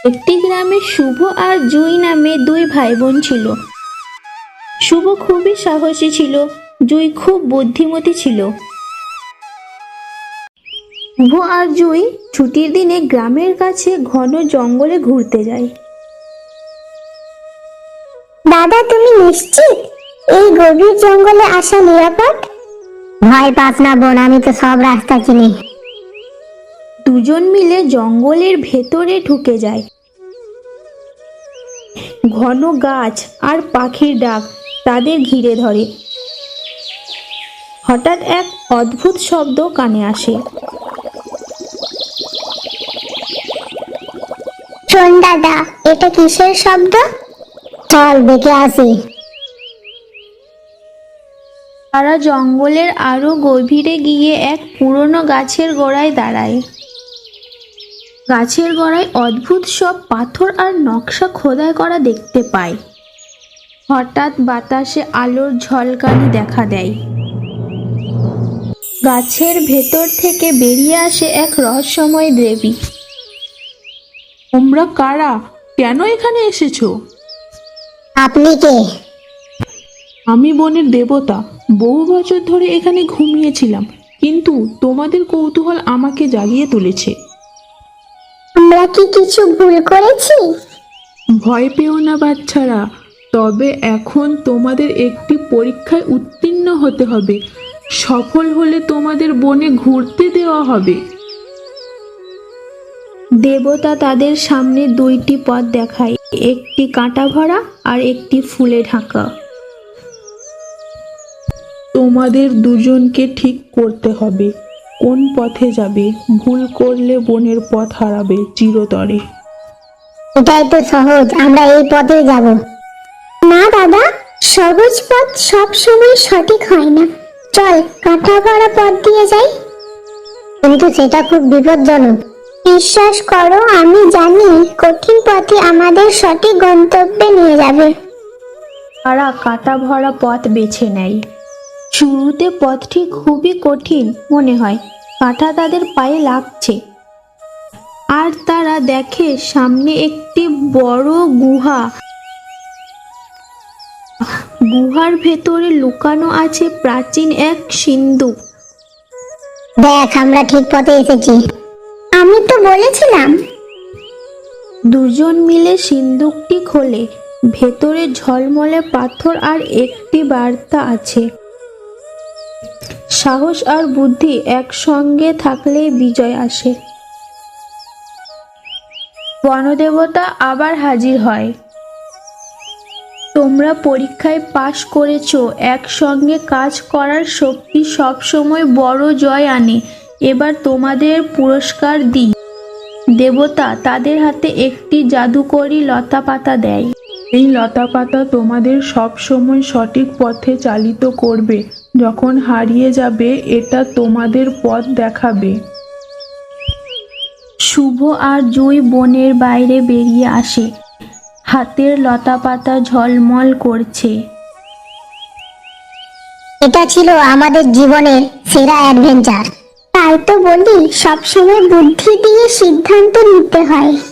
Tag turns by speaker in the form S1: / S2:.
S1: একটি গ্রামে শুভ আর জুই নামে দুই ভাই বোন ছিল। শুভ খুবই সাহসী ছিল, জুই খুব বুদ্ধিমতী ছিল। শুভ আর জুই ছুটির দিনে গ্রামের কাছে ঘন জঙ্গলে ঘুরতে যায়।
S2: দাদা, তুমি নিশ্চিত এই গভীর জঙ্গলে আসা নিরাপদ? ভয় পাস না বোন, আমি তো সব রাস্তা চিনি।
S1: দুজন মিলে জঙ্গলের ভেতরে ঢুকে যায়। ঘন গাছ আর পাখির ডাক তাদের ঘিরে ধরে। হঠাৎ এক অদ্ভুত শব্দ কানে আসে।
S2: শোন দাদা, এটা কিসের শব্দ? চল দেখে আসি।
S1: তারা জঙ্গলের আরো গভীরে গিয়ে এক পুরনো গাছের গোড়ায় দাঁড়ায়। গাছের গোড়ায় অদ্ভুত সব পাথর আর নকশা খোদাই করা দেখতে পায়। হঠাৎ বাতাসে আলোর ঝলকানি দেখা দেয়। গাছের ভেতর থেকে বেরিয়ে আসে এক রহস্যময় দেবী।
S3: তোমরা কারা? কেন এখানে এসেছো?
S2: আপনি কে?
S3: আমি বনের দেবতা। বহু বছর ধরে এখানে ঘুমিয়েছিলাম, কিন্তু তোমাদের কৌতূহল আমাকে জাগিয়ে তুলেছে।
S2: আমরা কি কিছু ভুল করেছি?
S3: ভয় পেও না বাচ্চারা, তবে এখন তোমাদের একটি পরীক্ষায় উত্তীর্ণ হতে হবে। সফল হলে তোমাদের বনে ঘুরতে দেওয়া হবে।
S1: দেবতা তাদের সামনে দুইটি পথ দেখায়, একটি কাঁটা ভরা আর একটি ফুলে ঢাকা।
S3: তোমাদের দুজনকে ঠিক করতে হবে কোন পথে যাবে। ভুল করলে বনের পথ হারাবে চিরতরে।
S2: এটাই তো সহজ, আমরা এই পথে যাব। না দাদা, সহজ পথ সব সময় সঠিক হয় না। চল কাঁটা ভরা পথ দিয়ে যাই। কিন্তু সেটা খুব বিপজ্জনক। বিশ্বাস করো, আমি জানি কঠিন পথই আমাদের সঠিক গন্তব্যে নিয়ে যাবে।
S1: তারা কাঁটা ভরা পথ বেছে নেয়। শুরুতে পথটি খুবই কঠিন মনে হয়, কাঁটা তাদের পায়ে লাগছে। আর তারা দেখে সামনে একটি বড় গুহা। গুহার ভেতরে লুকানো আছে প্রাচীন এক সিন্ধুক।
S2: দেখ, আমরা ঠিক পথে এসেছি। আমি তো বলেছিলাম।
S1: দুজন মিলে সিন্ধুকটি খোলে। ভেতরে ঝলমলে পাথর আর একটি বার্তা আছে। সাহস আর বুদ্ধি একসঙ্গে থাকলেই বিজয় আসে। বনদেবতা আবার হাজির হয়। তোমরা পরীক্ষায় পাশ করেছো। একসঙ্গে কাজ করার শক্তি সবসময় বড় জয় আনে। এবার তোমাদের পুরস্কার দিই। দেবতা তাদের হাতে একটি জাদুকরি লতা পাতা দেয়।
S3: এই লতাপাতা তোমাদের সব সময় সঠিক পথে চালিত করবে। যখন হারিয়ে যাবে, এটা তোমাদের পথ দেখাবে।
S1: শুভ আর জুই বনের বাইরে বেরিয়ে আসে। হাতের লতাপাতা ঝলমল করছে।
S2: এটা ছিল আমাদের জীবনের সেরা অ্যাডভেঞ্চার। তাই তো বলি, সবসময় বুদ্ধি দিয়ে সিদ্ধান্ত নিতে হয়।